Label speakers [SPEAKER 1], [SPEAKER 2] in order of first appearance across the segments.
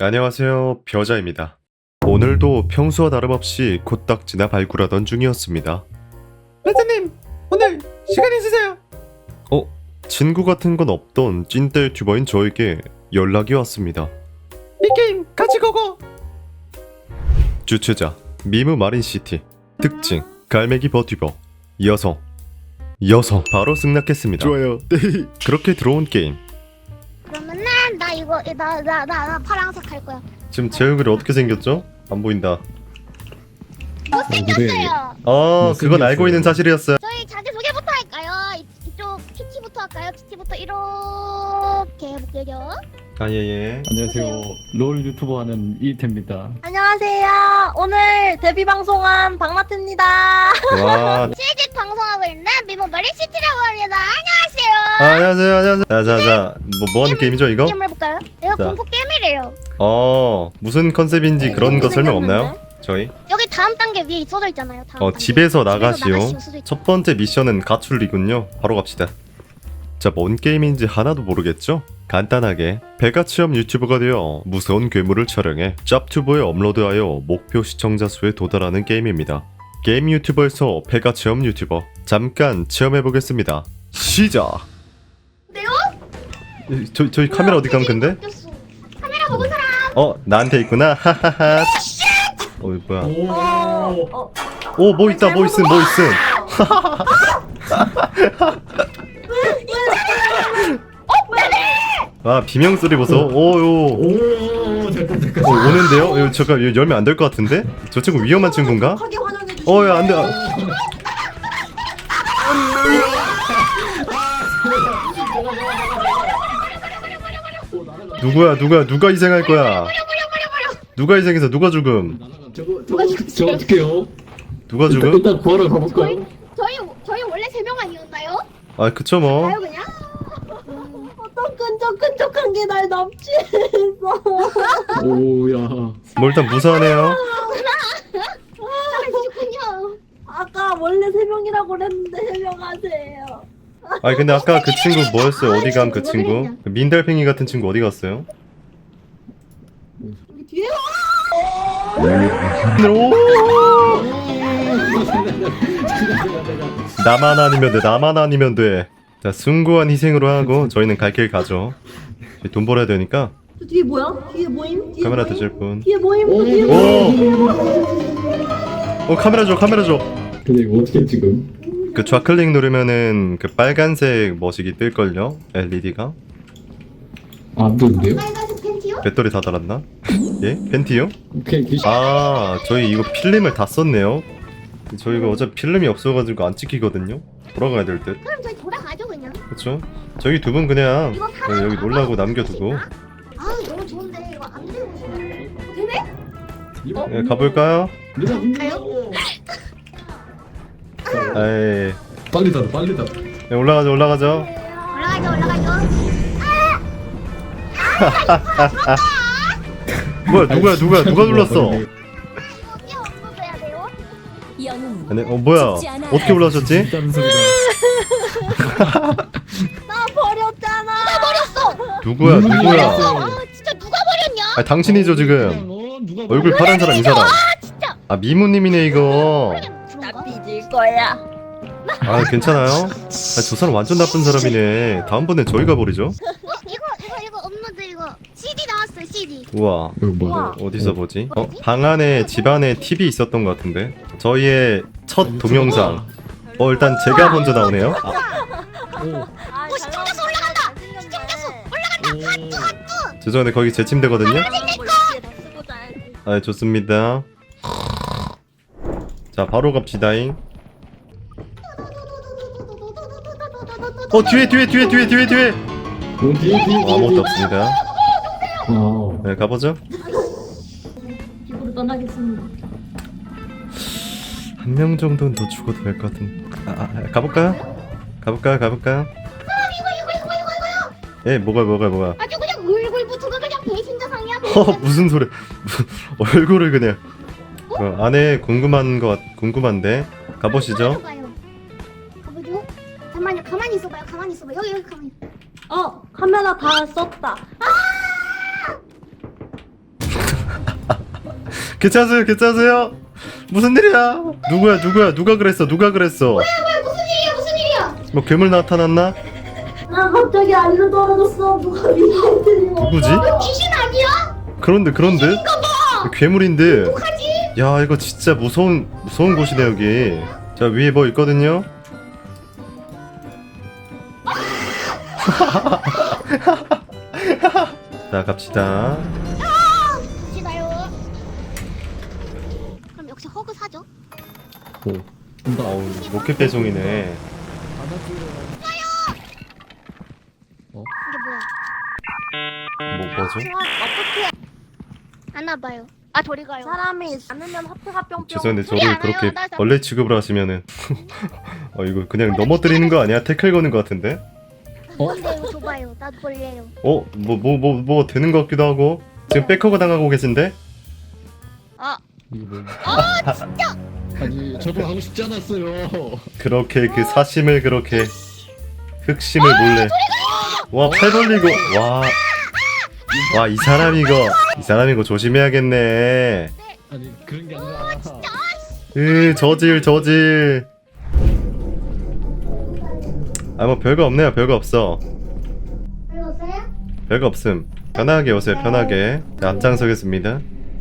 [SPEAKER 1] 안녕하세요, 벼자입니다. 오늘도 평소와 다름없이 코딱지나 발굴하던 중이었습니다.
[SPEAKER 2] 레드님 오늘 시간 있으세요?
[SPEAKER 1] 친구 같은 건 없던 찐따 유튜버인 저에게 연락이 왔습니다.
[SPEAKER 2] 이 게임 같이 고고.
[SPEAKER 1] 주최자 미무 마린시티, 특징 갈매기 버튜버, 여성 바로 승낙했습니다.
[SPEAKER 2] 좋아요. 네.
[SPEAKER 1] 그렇게 들어온 게임.
[SPEAKER 3] 그러면은 나 이거 나 파란색 할 거야.
[SPEAKER 1] 지금 제 얼굴이 어떻게 생겼죠? 안 보인다.
[SPEAKER 3] 못생겼어요.
[SPEAKER 1] 그건 알고 있는 사실이었어요.
[SPEAKER 3] 저희 자기 소개부터 할까요? 이쪽 키티부터 할까요? 키티부터 이렇게 해볼게요.
[SPEAKER 1] 예.
[SPEAKER 4] 안녕하세요. 롤 유튜버 하는 이태입니다.
[SPEAKER 5] 안녕하세요. 오늘 데뷔 방송한 박마트입니다.
[SPEAKER 1] 와,
[SPEAKER 3] 실직 방송하고 있는 미모 마린시티라고 합니다. 안녕하세요.
[SPEAKER 1] 안녕하세요. 자자자, 뭐 하는 게임이죠 이거?
[SPEAKER 3] 게임 해볼까요? 이거
[SPEAKER 1] 자.
[SPEAKER 3] 공포 게임이래요.
[SPEAKER 1] 무슨 컨셉인지 그런 거 설명 없나요? 저희?
[SPEAKER 3] 여기 다음 단계 위에 써져 있잖아요. 다음 단계.
[SPEAKER 1] 집에서 나가시오.
[SPEAKER 3] 써져 있-
[SPEAKER 1] 첫 번째 미션은 가출이군요. 바로 갑시다. 자, 뭔 게임인지 하나도 모르겠죠? 간단하게 배가 체험 유튜버가 되어 무서운 괴물을 촬영해 짭튜브에 업로드하여 목표 시청자 수에 도달하는 게임입니다. 게임 유튜버에서 배가 체험 유튜버, 잠깐 체험해보겠습니다. 시작!
[SPEAKER 3] 네요?
[SPEAKER 1] 저희 카메라 어디 간 건데?
[SPEAKER 3] 바뀌었어. 카메라 보고 사람.
[SPEAKER 1] 나한테 있구나. 하하하. 뭐야? 뭐 있다. 뭐 있음. 비명 소리 보소.
[SPEAKER 4] 오, 잠깐.
[SPEAKER 1] 오는데요? 이거 잠깐 이거 열면 안 될 것 같은데? 저 친구 위험한 친구인가?
[SPEAKER 5] 크게 환영해 주시고.
[SPEAKER 1] 야, 안 돼. 누가 희생할 거야? 누가 희생해서 누가 죽음?
[SPEAKER 4] 저 어떡해요?
[SPEAKER 1] 누가 죽음?
[SPEAKER 4] 일단 구하러 가볼까요?
[SPEAKER 3] 저희 원래 3명 아니었나요?
[SPEAKER 1] 그쵸 뭐.
[SPEAKER 3] 가요 그냥.
[SPEAKER 5] 어떤 끈적끈적한 게 날 납치했어.
[SPEAKER 4] 오야.
[SPEAKER 1] 뭐 일단 무사하네요.
[SPEAKER 3] 잘하셨군요.
[SPEAKER 5] 아까 원래 3명이라고 그랬는데 3명 하세요.
[SPEAKER 1] 근데 아까 그 친구 뭐였어요? 어디 간 그 친구? 그 민달팽이 같은 친구 어디 갔어요?
[SPEAKER 5] 여기 뒤에
[SPEAKER 1] 나만 아니면 돼. 자, 숭고한 희생으로 하고 저희는 갈 길 가죠. 저희 돈 벌어야 되니까
[SPEAKER 5] 저 뒤에 뭐야? 뒤에 모임? 뒤에
[SPEAKER 1] 카메라
[SPEAKER 5] 모임?
[SPEAKER 1] 드실 분.
[SPEAKER 5] 뒤에 모임? 또 뒤에
[SPEAKER 1] 오!
[SPEAKER 5] 모임?
[SPEAKER 1] 카메라 줘.
[SPEAKER 4] 근데 이거 어떻게 지금?
[SPEAKER 1] 그 좌클릭 누르면은 그 빨간색 머시기 뜰걸요? LED가?
[SPEAKER 4] 안 되는데요?
[SPEAKER 3] 빨간색 팬티요?
[SPEAKER 1] 배터리 다 달았나? 예? 팬티요?
[SPEAKER 4] 오케이 귀신.
[SPEAKER 1] 저희 이거 필름을 다 썼네요. 저희 이거 어차피 필름이 없어가지고 안 찍히거든요? 돌아가야 될 듯.
[SPEAKER 3] 그럼 저희 돌아가죠 그냥.
[SPEAKER 1] 그쵸? 저희 두 분 그냥
[SPEAKER 3] 이거 사람
[SPEAKER 1] 여기 놀라고 남겨두고
[SPEAKER 3] 너무 좋은데 이거 안 되고 되네?
[SPEAKER 1] 가볼까요?
[SPEAKER 4] 가요?
[SPEAKER 1] 에이,
[SPEAKER 4] 빨리 닫아.
[SPEAKER 1] 올라가죠.
[SPEAKER 3] 올라가죠.
[SPEAKER 1] 뭐야, 누가 눌렀어?
[SPEAKER 3] 이게 없어져야 돼요?
[SPEAKER 1] 아니, 뭐야? 어떻게 올라오셨지?
[SPEAKER 4] 다른 소리가.
[SPEAKER 5] 나 버렸잖아.
[SPEAKER 1] 누구야?
[SPEAKER 3] 진짜 누가 버렸냐?
[SPEAKER 1] 당신이죠 지금.
[SPEAKER 4] 누가
[SPEAKER 1] 얼굴 파란 사람 이 사람.
[SPEAKER 3] 진짜.
[SPEAKER 1] 미무님이네 이거.
[SPEAKER 5] 나 삐질 거야.
[SPEAKER 1] 괜찮아요? 저 사람 완전 나쁜 사람이네. 다음번에 저희가 버리죠.
[SPEAKER 3] 이거 업로드 이거 CD 나왔어요 CD.
[SPEAKER 1] 우와.
[SPEAKER 4] 이거 뭐야?
[SPEAKER 1] 어디서 보지? 방 안에 집 안에 TV 있었던 것 같은데. 저희의 첫 동영상. 일단 제가 먼저 나오네요.
[SPEAKER 3] 시청자 수 올라간다. 시청자 수 올라간다.
[SPEAKER 1] 죄송한데 거기 제 침대거든요. 좋습니다. 자, 바로 갑시다잉. 뒤에.
[SPEAKER 4] 뒤에.
[SPEAKER 1] 아무것도 없습니다.
[SPEAKER 4] 아.
[SPEAKER 1] 가보죠.
[SPEAKER 5] 집으로 떠나겠습니다.
[SPEAKER 1] 한 명 정도는 더 죽어도 될 것 같은. 가볼까요? 예, 뭐가?
[SPEAKER 3] 아주 그냥 얼굴부터가 그냥 배신자상이야.
[SPEAKER 1] 무슨 소리? 얼굴을 그냥. 안에 궁금한데 가보시죠.
[SPEAKER 3] 가보죠. 잠깐만요. 가만히 있어봐요. 여기 가만히.
[SPEAKER 5] 카메라 다 썼다.
[SPEAKER 1] 괜찮으세요? 괜찮으세요? 무슨 일이야? 누구야? 누가 그랬어?
[SPEAKER 3] 무슨 일이야?
[SPEAKER 1] 뭐 괴물 나타났나?
[SPEAKER 5] 나 갑자기 알로 떨어졌어. 누가 미안해.
[SPEAKER 1] 누구지?
[SPEAKER 3] 귀신 아니야?
[SPEAKER 1] 그런데 괴물인데.
[SPEAKER 3] 하지?
[SPEAKER 1] 야 이거 진짜 무서운 곳이네 여기. 자 위에 뭐 있거든요. 자 갑시다.
[SPEAKER 3] 시나요? 그럼 역시 허그 사죠?
[SPEAKER 1] 어우 로켓 배송이네.
[SPEAKER 3] 이게 뭐야?
[SPEAKER 1] 뭐죠?
[SPEAKER 3] 어떻게 하나 봐요. 아 저리 가요.
[SPEAKER 5] 사람이 않으면 하트가 뿅뿅.
[SPEAKER 1] 죄송한데
[SPEAKER 3] 소리
[SPEAKER 1] 저를
[SPEAKER 3] 안
[SPEAKER 1] 그렇게
[SPEAKER 3] 해요. 나
[SPEAKER 1] 벌레 취급을 하시면은 이거 그냥 넘어뜨리는 거 아니야? 태클 거는 거 같은데?
[SPEAKER 3] 근데요 줘봐요. 나도 벌레요.
[SPEAKER 1] 뭐 되는 것 같기도 하고. 지금 백허그 당하고 계신데?
[SPEAKER 4] 이거 뭐?
[SPEAKER 3] 진짜.
[SPEAKER 4] 아니 저도 하고 싶지 않았어요.
[SPEAKER 1] 그렇게 그 사심을 그렇게 흑심을 몰래. 와 팔 벌리고 와 이 사람 이거 조심해야겠네.
[SPEAKER 4] 아니 그런 게 아니라.
[SPEAKER 1] 저질. 아 뭐 별거 없네요. 별거 없어.
[SPEAKER 3] 불렀어요?
[SPEAKER 1] 별거 없음. 편하게 오세요. 편하게. 자, 앞장서겠습니다.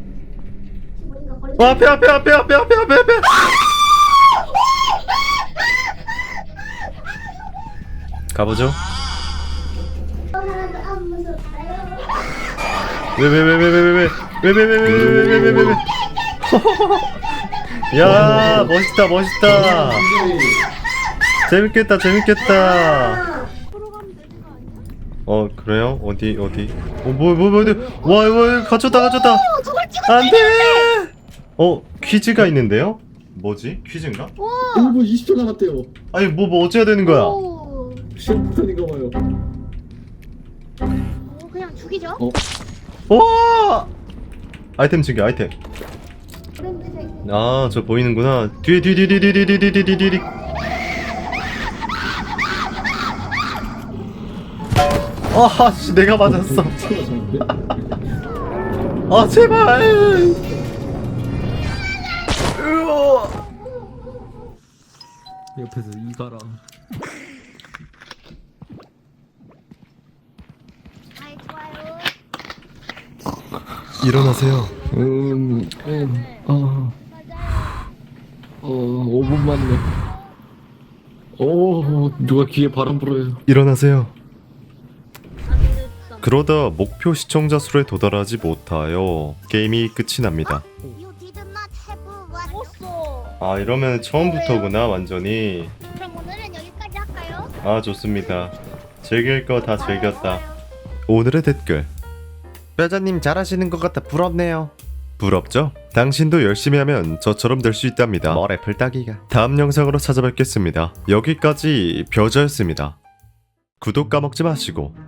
[SPEAKER 1] 앞에. 가보죠. 왜? 야 멋있다. 재밌겠다. 그래요? 어디? 와 이거 갇혔다. 안돼. 퀴즈가 있는데요? 뭐지? 퀴즈인가?
[SPEAKER 4] 1분 20초 남았대요.
[SPEAKER 1] 아니 뭐 어째야 되는 거야?
[SPEAKER 3] 오.
[SPEAKER 4] 시험 부터인가 봐요.
[SPEAKER 3] 그냥 죽이죠?
[SPEAKER 1] 와! 아이템 챙겨 아이템. 아 저 보이는구나. 뒤에. 아씨 내가 맞았어. 아 제발. 으어.
[SPEAKER 4] 옆에서 이가라.
[SPEAKER 3] 아이 좋아요.
[SPEAKER 1] 일어나세요.
[SPEAKER 4] 5분만요. 누가 귀에 바람 불어요.
[SPEAKER 1] 일어나세요. 그러다 목표 시청자 수에 도달하지 못하여 게임이 끝이 납니다.
[SPEAKER 3] You did not have what?
[SPEAKER 1] 아 이러면 처음부터구나 완전히.
[SPEAKER 3] 그럼 오늘은 여기까지 할까요?
[SPEAKER 1] 아 좋습니다. 즐길 거 다 즐겼다. 오늘의 댓글. 뼈자님 잘하시는 것 같아 부럽네요. 부럽죠? 당신도 열심히 하면 저처럼 될 수 있답니다. 머리 풀따기가. 다음 영상으로 찾아뵙겠습니다. 여기까지 벼자였습니다. 구독 까먹지 마시고